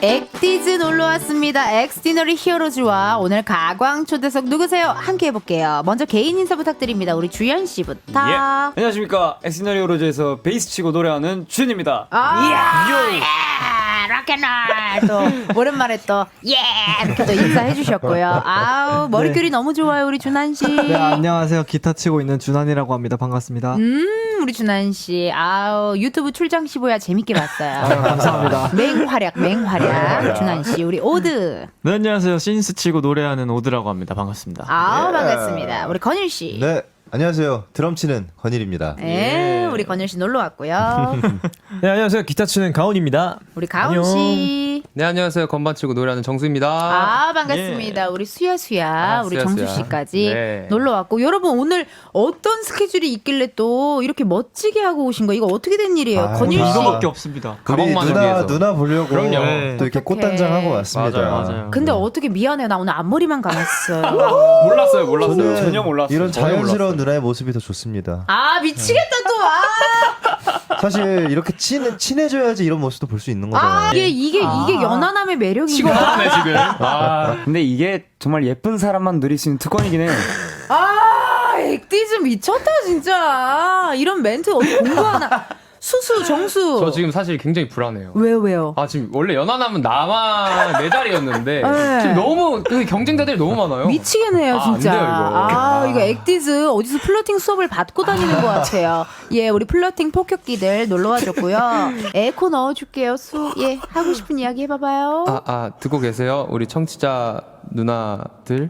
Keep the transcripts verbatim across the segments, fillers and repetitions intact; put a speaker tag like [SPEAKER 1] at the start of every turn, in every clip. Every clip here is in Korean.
[SPEAKER 1] 엑디즈 놀러왔습니다. 엑스디너리 히어로즈와 오늘 가광 초대석 누구세요? 함께 해볼게요. 먼저 개인 인사 부탁드립니다. 우리 주연씨부터.
[SPEAKER 2] 예. 안녕하십니까. 엑스디너리 히어로즈에서 베이스 치고 노래하는 주연입니다.
[SPEAKER 1] 아, 예. 락앤롤 또 오랜만에 또 예 이렇게 또 인사해 주셨고요. 아우 머릿결이 네. 너무 좋아요 우리 준한 씨.
[SPEAKER 3] 네, 안녕하세요. 기타 치고 있는 준한이라고 합니다. 반갑습니다.
[SPEAKER 1] 음 우리 준한 씨 아우 유튜브 출장 시보야 재밌게 봤어요.
[SPEAKER 3] 아유, 감사합니다.
[SPEAKER 1] 맹활약 맹활약 준한 씨. 우리 오드.
[SPEAKER 4] 네, 안녕하세요. 신스 치고 노래하는 오드라고 합니다. 반갑습니다.
[SPEAKER 1] 아우
[SPEAKER 5] 예.
[SPEAKER 1] 반갑습니다. 우리 건일 씨.
[SPEAKER 5] 네, 안녕하세요. 드럼 치는 건일입니다.
[SPEAKER 1] 네, 우리 건일 씨 놀러 왔고요.
[SPEAKER 6] 네, 안녕하세요. 기타 치는 가온입니다.
[SPEAKER 1] 우리 가온 씨.
[SPEAKER 7] 네, 안녕하세요. 건반 치고 노래하는 정수입니다.
[SPEAKER 1] 아, 반갑습니다. 예. 우리 수야 수야,
[SPEAKER 7] 아,
[SPEAKER 1] 우리
[SPEAKER 7] 수야,
[SPEAKER 1] 정수
[SPEAKER 7] 수야.
[SPEAKER 1] 씨까지
[SPEAKER 7] 네.
[SPEAKER 1] 놀러 왔고 여러분 오늘 어떤 스케줄이 있길래 또 이렇게 멋지게 하고 오신 거 이거 어떻게 된 일이에요?
[SPEAKER 5] 아,
[SPEAKER 1] 건일 씨.
[SPEAKER 4] 이거밖에 없습니다.
[SPEAKER 5] 우리
[SPEAKER 7] 가방만을
[SPEAKER 5] 누나
[SPEAKER 7] 위해서.
[SPEAKER 5] 누나 보려고
[SPEAKER 7] 그럼요.
[SPEAKER 5] 네. 또 이렇게
[SPEAKER 1] 어떡해.
[SPEAKER 5] 꽃단장 하고 왔습니다.
[SPEAKER 7] 맞아요,
[SPEAKER 4] 맞아요.
[SPEAKER 1] 근데 어떻게 미안해요. 나 오늘 앞머리만 감았어요.
[SPEAKER 7] 몰랐어요, 몰랐어요.
[SPEAKER 5] 저는
[SPEAKER 2] 전혀 몰랐어요.
[SPEAKER 5] 이런
[SPEAKER 7] 전혀
[SPEAKER 5] 자연스러운
[SPEAKER 7] 몰랐어요.
[SPEAKER 5] 누나의 모습이 더 좋습니다.
[SPEAKER 1] 아 미치겠다 또. 아,
[SPEAKER 5] 사실 이렇게 친 친해져야지 이런 모습도 볼 수 있는 거잖아요.
[SPEAKER 1] 아 이게 이게 이게 연하남의 매력인가?
[SPEAKER 7] 치고받네 지금. 아,
[SPEAKER 2] 근데 이게 정말 예쁜 사람만 누릴 수 있는 특권이긴 해요.
[SPEAKER 1] 아 엑디즈 미쳤다 진짜. 이런 멘트 어디 공부하나? 수수 정수.
[SPEAKER 7] 저 지금 사실 굉장히 불안해요.
[SPEAKER 1] 왜요 왜요?
[SPEAKER 7] 아 지금 원래 연하남은 나만 내 자리였는데
[SPEAKER 1] 네.
[SPEAKER 7] 지금 너무 그 경쟁자들이 너무 많아요.
[SPEAKER 1] 미치겠네요,
[SPEAKER 7] 아,
[SPEAKER 1] 진짜.
[SPEAKER 7] 안 돼요, 이거.
[SPEAKER 1] 아,
[SPEAKER 7] 아.
[SPEAKER 1] 이거 엑디즈 어디서 플러팅 수업을 받고 다니는 것 같아요. 예, 우리 플러팅 폭격기들 놀러와 줬고요. 에코 넣어줄게요, 수. 예, 하고 싶은 이야기 해봐봐요.
[SPEAKER 7] 아, 아 듣고 계세요? 우리 청취자 누나들.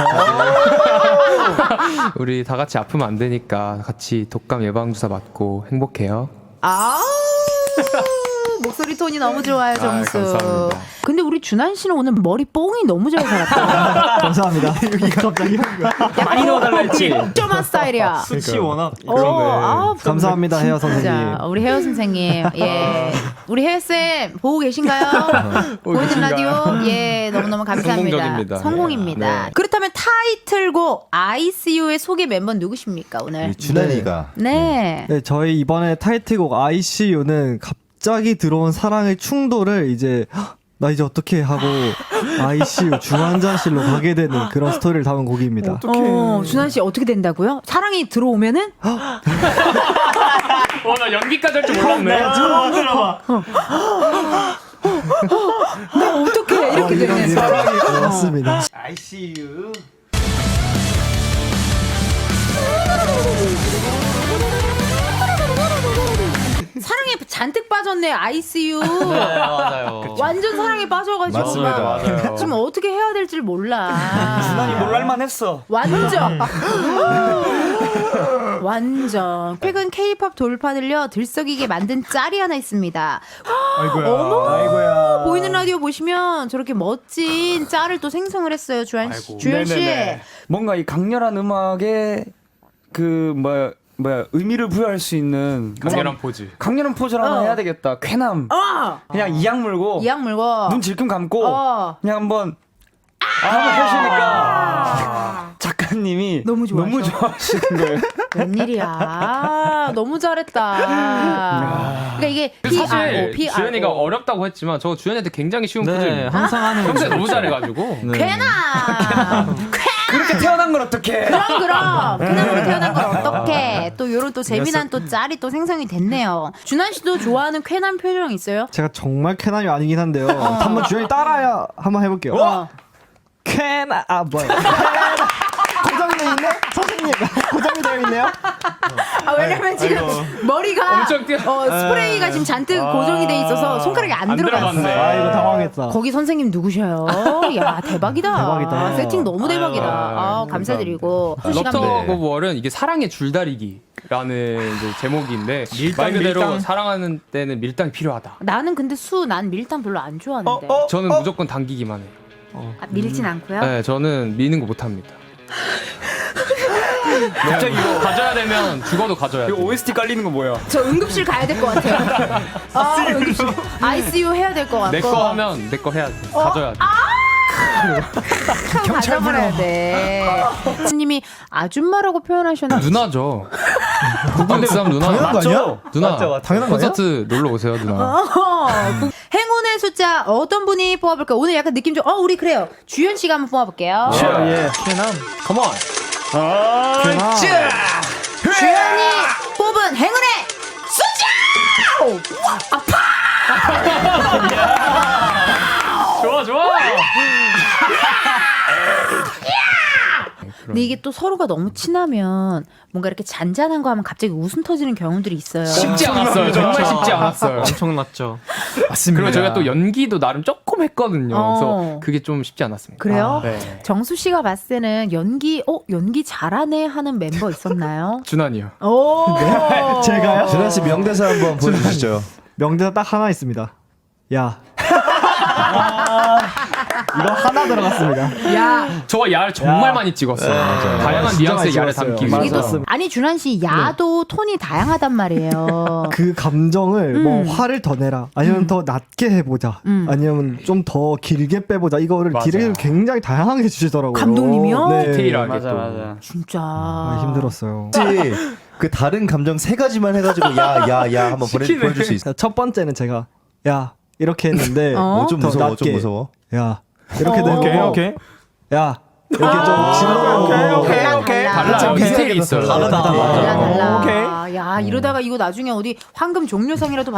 [SPEAKER 7] 우리 다 같이 아프면 안 되니까 같이 독감 예방 주사 맞고 행복해요.
[SPEAKER 1] 아우, 목소리 톤이 너무 좋아요, 정수.
[SPEAKER 7] 아, 감사합니다.
[SPEAKER 1] 근데 우리 준한 씨는 오늘 머리 뽕이 너무 잘 살았다.
[SPEAKER 3] 감사합니다. 여기 갑자기
[SPEAKER 2] 많이 넣어달라 했지.
[SPEAKER 1] 점한 스타일이야.
[SPEAKER 4] 수치 워낙
[SPEAKER 1] 어, 아,
[SPEAKER 3] 감사합니다, 헤어 선생님.
[SPEAKER 1] 진짜 우리 헤어 선생님, 예, 우리 헤어 쌤 보고 계신가요? 보이는
[SPEAKER 7] 계신가요?
[SPEAKER 1] 라디오, 예, 너무 너무 감사합니다.
[SPEAKER 7] 성공적입니다.
[SPEAKER 1] 성공입니다.
[SPEAKER 7] 네.
[SPEAKER 1] 그렇다면 타이틀곡 아이씨유의 소개 멤버 누구십니까 오늘?
[SPEAKER 5] 우리 준한이가
[SPEAKER 1] 네.
[SPEAKER 3] 네, 저희 이번에 타이틀곡 아이씨유는 갑자기 들어온 사랑의 충돌을 이제 헉, 나 이제 어떻게 하고 아이씨유 중환자실로 가게 되는 그런 스토리를 담은 곡입니다.
[SPEAKER 1] 어, 준한 씨 어떻게 된다고요? 사랑이 들어오면은?
[SPEAKER 7] 와, 나 연기까지 할 줄 몰랐네.
[SPEAKER 1] 나 어떻게 이렇게 되는?
[SPEAKER 3] 맞습니다.
[SPEAKER 4] 아이씨유.
[SPEAKER 1] 사랑에 잔뜩 빠졌네 아이씨유.
[SPEAKER 4] 네, 맞아요.
[SPEAKER 1] 완전 사랑에 빠져가지고
[SPEAKER 5] 맞습니다.
[SPEAKER 1] 막
[SPEAKER 7] 맞아요.
[SPEAKER 1] 지금 어떻게 해야 될지 몰라.
[SPEAKER 2] 준한이 놀랄만 했어.
[SPEAKER 1] 완전 완전 최근 K-팝 돌파들려 들썩이게 만든 짤이 하나 있습니다.
[SPEAKER 6] 아이고야.
[SPEAKER 1] 어머.
[SPEAKER 6] 아이고야.
[SPEAKER 1] 보이는 라디오 보시면 저렇게 멋진 짤을 또 생성을 했어요. 주한 씨. 주현 씨.
[SPEAKER 2] 네네네. 뭔가 이 강렬한 음악에 그 뭐야 뭐야 의미를 부여할 수 있는
[SPEAKER 7] 강렬한 포즈.
[SPEAKER 2] 강렬한 포즈를 하나
[SPEAKER 1] 어.
[SPEAKER 2] 해야 되겠다. 쾌남.
[SPEAKER 1] 어.
[SPEAKER 2] 그냥 이악 물고
[SPEAKER 1] 이악 물고
[SPEAKER 2] 눈 질끈 감고
[SPEAKER 1] 어.
[SPEAKER 2] 그냥 한번 한번 하시니까 작가님이
[SPEAKER 1] 너무 좋아하셔.
[SPEAKER 2] 너무 좋아하시는 거예요.
[SPEAKER 1] 웬일이야. 너무 잘했다. 그러니까 이게
[SPEAKER 7] 사실
[SPEAKER 1] 피아르오, 피아르오.
[SPEAKER 7] 주연이가 어렵다고 했지만 저 주연이한테 굉장히 쉬운
[SPEAKER 4] 네,
[SPEAKER 7] 포즈입니다.
[SPEAKER 4] 항상 하는
[SPEAKER 7] 평소에
[SPEAKER 4] 거.
[SPEAKER 7] 너무 잘해가지고.
[SPEAKER 4] 네.
[SPEAKER 1] 쾌남.
[SPEAKER 2] 그렇게 태어난 걸 어떡해.
[SPEAKER 1] 그럼 그럼 쾌남으로 태어난 걸 어떡해. 또 요런 또 재미난 또 짤이 또 생성이 됐네요. 준한 씨도 좋아하는 쾌남 표정 있어요?
[SPEAKER 3] 제가 정말 쾌남이 아니긴 한데요. 한번 주연이 따라야 한번 해볼게요. 쾌남 아 뭐야? 고정돼 있네? 선생님 고정이 되어 있네요.
[SPEAKER 1] 아, 왜냐면 지금 머리가
[SPEAKER 7] 엄청 뛰어.
[SPEAKER 1] 어, 스프레이가 지금 잔뜩 고정이 돼 있어서 손가락이 안,
[SPEAKER 7] 안
[SPEAKER 1] 들어갔어.
[SPEAKER 7] 들어갔네.
[SPEAKER 3] 아 이거 당황했다.
[SPEAKER 1] 거기 선생님 누구셔요? 야 대박이다.
[SPEAKER 3] 대박이다.
[SPEAKER 1] 세팅 너무 대박이다.
[SPEAKER 7] 아유,
[SPEAKER 1] 아, 감사드리고. 두 시간
[SPEAKER 7] 럽터
[SPEAKER 1] 내.
[SPEAKER 7] 고월은 이게 사랑의 줄다리기라는 이제 제목인데 말 그대로
[SPEAKER 2] 밀당.
[SPEAKER 7] 사랑하는 때는 밀당이 필요하다.
[SPEAKER 1] 나는 근데 수 난 밀당 별로 안 좋아하는데.
[SPEAKER 7] 저는 무조건 당기기만 해요.
[SPEAKER 1] 아, 밀진 않고요.
[SPEAKER 7] 네, 저는 미는 거 못합니다. 갑자기 이거 가져야 되면 죽어도 가져야 돼.
[SPEAKER 2] 이거 오에스티 깔리는 거 뭐야?
[SPEAKER 1] 저 응급실 가야 될 것 같아요. 아, 응급실. 아이씨유 해야 될 것 같고.
[SPEAKER 7] 내 거 하면 내 거 해야 돼. 가져야 돼.
[SPEAKER 1] 가져버려야 돼. 스님이 아줌마라고 표현하셨는데
[SPEAKER 7] 누나죠. 구분삼 누나.
[SPEAKER 6] 당연한 거 아니야?
[SPEAKER 7] 누나.
[SPEAKER 6] 맞죠, 맞죠. 당연한 거 아니야?
[SPEAKER 7] 콘서트 놀러 오세요, 누나.
[SPEAKER 1] 어, 그 행운의 숫자 어떤 분이 뽑아볼까요? 오늘 약간 느낌 좀, 어, 우리 그래요. 주현 씨가 한번 뽑아볼게요.
[SPEAKER 6] 예. 최남. 컴온.
[SPEAKER 1] 주현이 뽑은 행운의 숫자!
[SPEAKER 4] 좋아 좋아.
[SPEAKER 1] 근데 이게 또 서로가 너무 친하면 뭔가 이렇게 잔잔한 거 하면 갑자기 웃음 터지는 경우들이 있어요.
[SPEAKER 7] 쉽지 않았어요. 정말 쉽지 않았어요.
[SPEAKER 4] 엄청났죠.
[SPEAKER 6] 맞습니다.
[SPEAKER 7] 그리고 저희가 또 연기도 나름 조금 했거든요.
[SPEAKER 1] 어.
[SPEAKER 7] 그래서 그게 좀 쉽지 않았습니다.
[SPEAKER 1] 그래요?
[SPEAKER 7] 네.
[SPEAKER 1] 정수 씨가 봤을 때는 연기, 어, 연기 잘하네 하는 멤버 있었나요?
[SPEAKER 7] 준환이요.
[SPEAKER 1] 오!
[SPEAKER 3] 제가요?
[SPEAKER 5] 준하 씨 명대사 한번 보여주시죠.
[SPEAKER 3] 명대사 딱 하나 있습니다. 야. 이거 하나 들어갔습니다.
[SPEAKER 1] 야,
[SPEAKER 7] 저와 야를 정말
[SPEAKER 3] 야.
[SPEAKER 7] 많이 찍었어요.
[SPEAKER 3] 맞아요.
[SPEAKER 7] 다양한
[SPEAKER 3] 진짜
[SPEAKER 7] 뉘앙스의
[SPEAKER 3] 많이
[SPEAKER 7] 야를
[SPEAKER 3] 찍었어요.
[SPEAKER 7] 담기
[SPEAKER 3] 맞아요.
[SPEAKER 7] 위해서.
[SPEAKER 3] 맞습니다.
[SPEAKER 1] 아니 준환 씨 야도 톤이 다양하단 말이에요.
[SPEAKER 3] 그 감정을
[SPEAKER 1] 음.
[SPEAKER 3] 뭐 화를 더 내라 아니면 더 낮게 해보자
[SPEAKER 1] 음.
[SPEAKER 3] 아니면 좀 더 길게 빼보자 이거를
[SPEAKER 2] 맞아.
[SPEAKER 3] 디렉을 굉장히 다양하게 주시더라고요.
[SPEAKER 1] 감독님이요?
[SPEAKER 3] 네.
[SPEAKER 7] 디테일하게
[SPEAKER 2] 맞아
[SPEAKER 7] 또.
[SPEAKER 2] 맞아.
[SPEAKER 1] 진짜
[SPEAKER 3] 아, 힘들었어요.
[SPEAKER 5] 혹시 그 다른 감정 세 가지만 해가지고 야 야 야 한번 보내, 보여줄 수 있어요?
[SPEAKER 3] 첫 번째는 제가 야 이렇게 했는데
[SPEAKER 1] 어?
[SPEAKER 5] 어, 좀
[SPEAKER 3] 더
[SPEAKER 5] 무서워,
[SPEAKER 3] 낮게.
[SPEAKER 5] 좀 무서워.
[SPEAKER 3] 야 이렇게
[SPEAKER 1] 어.
[SPEAKER 3] 되고
[SPEAKER 6] 오케이 오케이.
[SPEAKER 3] 야 이렇게 좀 질러보고
[SPEAKER 1] 달라 달라
[SPEAKER 7] 달라요. 디테일이 있어요.
[SPEAKER 3] 다르다.
[SPEAKER 1] 달라 달라.
[SPEAKER 6] 오케이.
[SPEAKER 1] 야 이러다가 이거 나중에 어디 황금 종려상이라도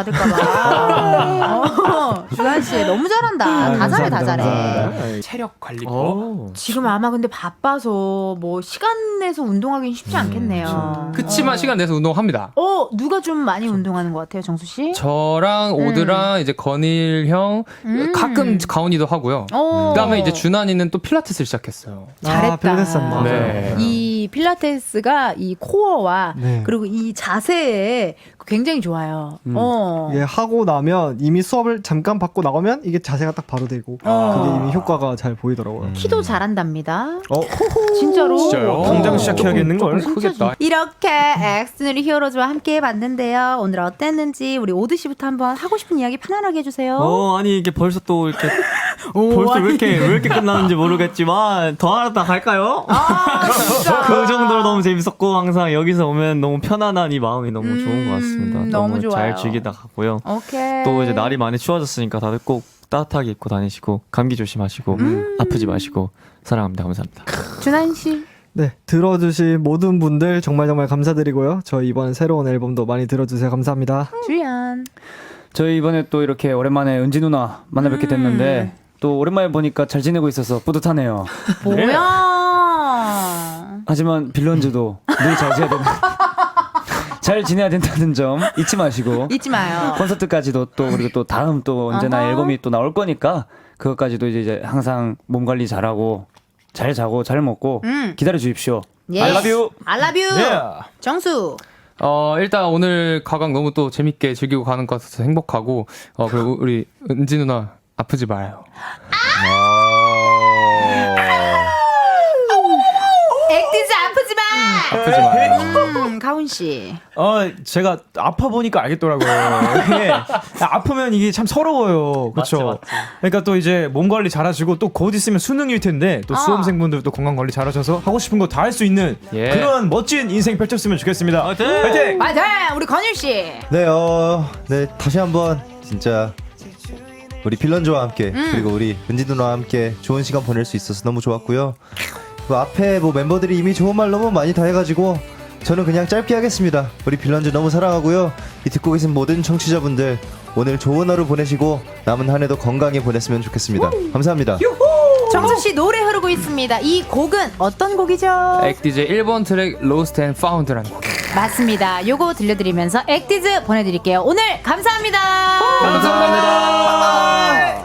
[SPEAKER 1] 받을까봐. 어, 준환 씨 너무 잘한다. 다 잘해 다 잘해.
[SPEAKER 3] 감사합니다.
[SPEAKER 7] 체력 관리법.
[SPEAKER 4] 오.
[SPEAKER 1] 지금 아마 근데 바빠서 뭐 시간 내서 운동하기는 쉽지 않겠네요.
[SPEAKER 7] 그치만 시간 내서 운동합니다.
[SPEAKER 1] 어 누가 좀 많이 운동하는 것 같아요, 정수 씨?
[SPEAKER 7] 저랑 오드랑 이제 건일 형
[SPEAKER 1] 음.
[SPEAKER 7] 가끔 가온이도 하고요.
[SPEAKER 1] 어.
[SPEAKER 7] 그다음에 이제 준환이는 또 필라테스를 시작했어요.
[SPEAKER 1] 잘했다.
[SPEAKER 3] 아, 필라테스 한번.
[SPEAKER 7] 네.
[SPEAKER 1] 이 필라테스가 이 코어와
[SPEAKER 3] 네.
[SPEAKER 1] 그리고 이 자세에 굉장히 좋아요. 어.
[SPEAKER 3] 이게 하고 나면 이미 수업을 잠깐 받고 나오면 이게 자세가 딱 바로 되고
[SPEAKER 1] 어.
[SPEAKER 3] 그게 이미 효과가 잘 보이더라고요.
[SPEAKER 1] 키도 잘한답니다.
[SPEAKER 5] 어?
[SPEAKER 1] 진짜로.
[SPEAKER 7] 진짜요?
[SPEAKER 6] 당장 시작해야겠는걸?
[SPEAKER 7] 조금 크겠다.
[SPEAKER 1] 이렇게 엑스누리 히어로즈와 함께 해봤는데요. 오늘 어땠는지 우리 오드 씨부터 한번 하고 싶은 이야기 편안하게 해주세요.
[SPEAKER 4] 어 아니 이게 벌써 또 이렇게
[SPEAKER 1] 오,
[SPEAKER 4] 벌써
[SPEAKER 1] 아니.
[SPEAKER 4] 왜 이렇게 왜 이렇게 끝나는지 모르겠지만 더 하다 갈까요?
[SPEAKER 1] 아, 진짜.
[SPEAKER 4] 그 정도로 너무 재밌었고 항상 여기서 오면 너무 편안한 이 마음이 너무 좋은 것 같습니다.
[SPEAKER 1] 음, 너무 좋아요.
[SPEAKER 4] 잘 즐기다 가고요.
[SPEAKER 1] 오케이.
[SPEAKER 4] 또 이제 날이 많이 추워졌으니까 다들 꼭 따뜻하게 입고 다니시고 감기 조심하시고 아프지 마시고 사랑합니다. 감사합니다.
[SPEAKER 1] 준환 씨.
[SPEAKER 3] 네, 들어주신 모든 분들 정말 정말 감사드리고요. 저희 이번 새로운 앨범도 많이 들어주세요. 감사합니다.
[SPEAKER 1] 주연.
[SPEAKER 2] 저희 이번에 또 이렇게 오랜만에 은지 누나 만나 뵙게 됐는데 또 오랜만에 보니까 잘 지내고 있어서 뿌듯하네요.
[SPEAKER 1] 뭐야?
[SPEAKER 2] 하지만 빌런즈도 늘 잘 지내야 된다. 잘 지내야 된다는 점 잊지 마시고
[SPEAKER 1] 잊지 마요.
[SPEAKER 2] 콘서트까지도 또 그리고 또 다음 또 언제나
[SPEAKER 1] 어허.
[SPEAKER 2] 앨범이 또 나올 거니까 그것까지도 이제 항상 몸 관리 잘하고 잘 자고 잘 먹고
[SPEAKER 1] 음.
[SPEAKER 2] 기다려 주십시오.
[SPEAKER 1] 예.
[SPEAKER 2] I love you.
[SPEAKER 1] I love you.
[SPEAKER 6] 네.
[SPEAKER 1] 정수.
[SPEAKER 7] 어 일단 오늘 가강 너무 또 재밌게 즐기고 가는 것 같아서 행복하고 어 그리고 우리 은지 누나 아프지 마요.
[SPEAKER 1] 액티즈 아프지 마.
[SPEAKER 7] 아프지 마요.
[SPEAKER 1] 음, 가훈 씨.
[SPEAKER 6] 어 제가 아파 보니까 알겠더라고요. 이게 아프면 이게 참 서러워요. 그렇죠. 그러니까 또 이제 몸 관리 잘하시고 또 곧 있으면 수능일 텐데 또
[SPEAKER 1] 아.
[SPEAKER 6] 수험생분들 또 건강 관리 잘하셔서 하고 싶은 거 다 할 수 있는
[SPEAKER 7] 예.
[SPEAKER 6] 그런 멋진 인생 펼쳤으면 좋겠습니다.
[SPEAKER 4] 화이팅!
[SPEAKER 6] 화이팅!
[SPEAKER 1] 맞아. 우리 건일 씨.
[SPEAKER 5] 네, 어, 네 다시 한번 진짜 우리 빌런즈와 함께 그리고 우리 은지 누나와 함께 좋은 시간 보낼 수 있어서 너무 좋았고요. 그 앞에 뭐 멤버들이 이미 좋은 말 너무 많이 다 해가지고 저는 그냥 짧게 하겠습니다. 우리 빌런즈 너무 사랑하고요. 이 듣고 계신 모든 청취자분들 오늘 좋은 하루 보내시고 남은 한 해도 건강히 보냈으면 좋겠습니다. 감사합니다.
[SPEAKER 1] 정수 씨 노래 흐르고 있습니다. 이 곡은 어떤 곡이죠?
[SPEAKER 7] 액디제 일 번 트랙 Lost and Found라는 곡.
[SPEAKER 1] 맞습니다. 요거 들려드리면서 액티즈 보내드릴게요. 오늘 감사합니다.
[SPEAKER 7] 감사합니다.